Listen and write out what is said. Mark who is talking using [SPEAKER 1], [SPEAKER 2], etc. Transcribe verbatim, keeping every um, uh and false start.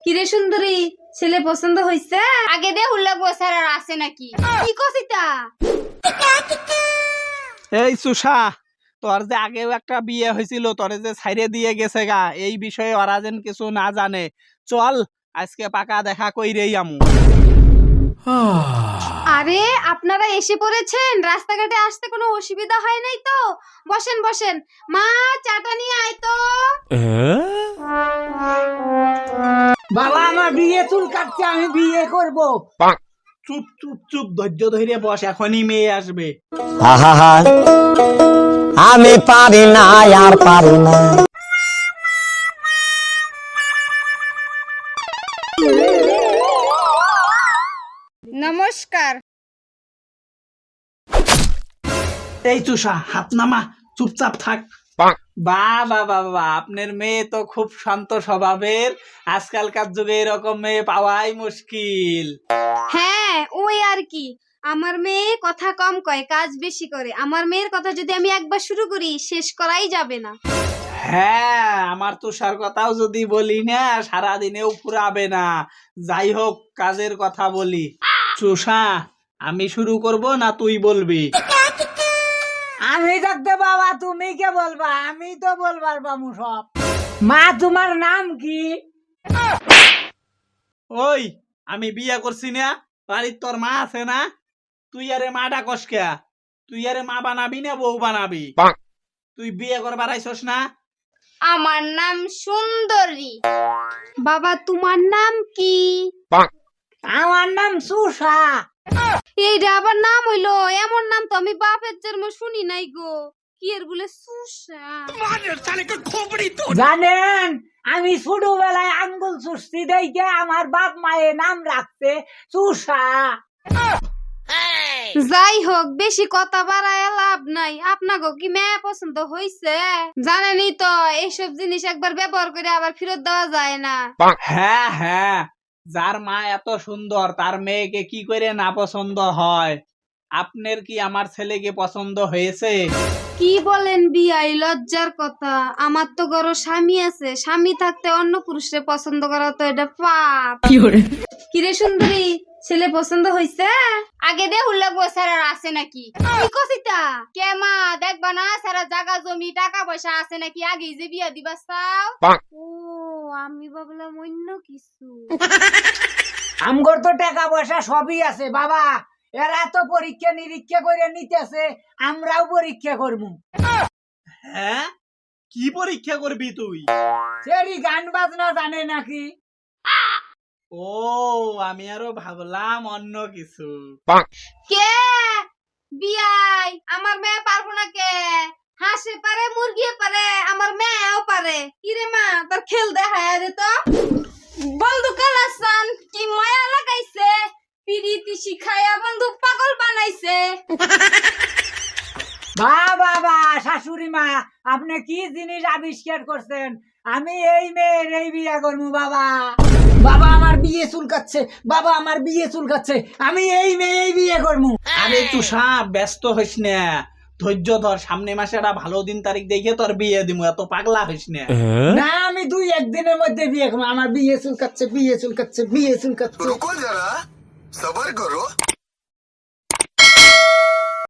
[SPEAKER 1] কিরে সুন্দরী, ছেলে পছন্দ হইছে?
[SPEAKER 2] আগে দে হুল্লা বসার আর আছে নাকি?
[SPEAKER 1] কি কছিতা?
[SPEAKER 3] এই সুষা, তোর যে আগেও একটা বিয়ে হয়েছিল, তোরে যে ছাইরে দিয়ে গেছে গা, এই বিষয়ে ওরা যেন কিছু না জানে। চল আজকে পাকা দেখা কইরেই আমু।
[SPEAKER 1] আরে আপনারা এসে পড়েছেন, রাস্তাঘাটে আসতে কোনো অসুবিধা হয় নাই তো? বসেন বসেন, মা চাটা নিয়ে আয় তো।
[SPEAKER 4] বাবা আমার বিয়ে চুল কাটছে, আমি বিয়ে করব।
[SPEAKER 3] চুপ চুপ চুপ, ধৈর্য ধরে বস, এখনই মেয়ে আসবে।
[SPEAKER 5] আহা, আমি পারি না আর পারি না।
[SPEAKER 2] নমস্কার।
[SPEAKER 3] এই চুষা, হাত নামা, চুপচাপ থাক। বা বা বা বা, আপনার মেয়ে তো খুব শান্ত স্বভাবের। আজকালকার যুগে এরকম মেয়ে পাওয়াই মুশকিল।
[SPEAKER 1] হ্যাঁ ওই আর কি, আমার মেয়ে কথা কম কয়, কাজ বেশি করে। আমার মেয়ের কথা যদি আমি একবার শুরু করি, শেষ করাই যাবে না।
[SPEAKER 3] হ্যাঁ, আমার তুষার কথাও যদি বলি না, সারাদিনেও ফুরাবে না। যাই হোক, কাজের কথা বলি। চুষা, আমি শুরু করব না তুই বলবি?
[SPEAKER 4] আমি থাকতে বাবা তুমি কে বলবা? আমি তো বলবার বামু সব। মা তোমার নাম কি?
[SPEAKER 3] ওই, আমি বিয়ে করছি না, বাড়ির তোর মা আছে না? তুই আরে মা ডাকস কে? তুই আরে মা বানাবি না বউ বানাবি? তুই বিয়ে করবার আইছস না?
[SPEAKER 2] আমার নাম সুন্দরী।
[SPEAKER 1] বাবা তোমার নাম কি?
[SPEAKER 4] আমার নাম সুষা।
[SPEAKER 1] এইটা আবার নাম হইলো? এমন নাম তো আমি বাপের জন্ম শুনি নাই গো। কি এর বলে সুষা?
[SPEAKER 4] জানেন, আমি ছোটবেলায় আঙ্গুল চুষছি দেখে আমার বাপ মায়ে নাম রাখছে সুষা।
[SPEAKER 1] যাই হোক, বেশি কথা বাড়ায় লাভ নাই। আপনাকে কি মেয়ে পছন্দ হইছে? জানেনই তো, এইসব জিনিস একবার ব্যবহার করে আবার ফেরত দেওয়া যায় না।
[SPEAKER 3] হ্যাঁ হ্যাঁ, যার মা এত সুন্দর তার মেয়েকে কি করে না পছন্দ হয়? আপনার কি আমার ছেলেকে পছন্দ হয়েছে?
[SPEAKER 1] কি বলেন বিয়াই, লজ্জার কথা। আমার তো গরো স্বামী আছে, স্বামী থাকতে অন্য পুরুষে পছন্দ করা তো এটা পাপ। কিরে সুন্দরী, ছেলে পছন্দ হইছে?
[SPEAKER 2] আগে দে হুল্লা বসার আর আছে নাকি?
[SPEAKER 1] কি কছিতা?
[SPEAKER 2] কে মা দেখবা না সারা জায়গা জমি টাকা পয়সা আছে নাকি? আগে যে বিয়া দিবা চাও?
[SPEAKER 1] ও, আমি ভাবলাম অন্য কিছু।
[SPEAKER 4] আমগর তো টাকা পয়সা সবই আছে বাবা। এরা তো পরীক্ষা নিরীক্ষা করে নিতেছে, আমরাও পরীক্ষা করবো।
[SPEAKER 3] হ্যাঁ, কি পরীক্ষা করবি তুই?
[SPEAKER 4] সেরি গান বাজনা জানে নাকি?
[SPEAKER 3] ও, আমি আরো ভাবলাম অন্য কিছু।
[SPEAKER 1] কে বিয়াই, আমার মেয়ে পারবো না কে? হাঁসে পারে, মুরগি পারে, আমার মেয়েও পারে। কিরে মা, তোর খেল দেখায় দে তো। বন্ধু কালাসান কি মায়া লাগাইছে, পিরিতি শিখায়া বন্ধু পাগল বানাইছে।
[SPEAKER 4] বা বাবা শাশুড়ি মা, আপনি কি জিনিস আবিষ্কার করছেন? আমি এই মেয়ের এই বিয়ে করবো বাবা। বাবা আমার বিয়ে চুলকাচ্ছে, বাবা আমার বিয়ে চুলকাচ্ছে, আমি এই মেয়ে বিয়ে করবো।
[SPEAKER 3] আরে তুষা, ব্যস্ত হইস না, ধৈর্য ধর। সামনে মাসে একটা ভালো দিন তারিখ দেখে তোর বিয়ে দিমু, এত পাগলা হইস না।
[SPEAKER 4] না আমি দুই একদিনের মধ্যে বিয়ে করবো। আমার বিয়ে চুলকাচ্ছে, বিয়ে চুলকাচ্ছে, বিয়ে চুলকাচ্ছে।
[SPEAKER 6] रुको जरा सबर करो।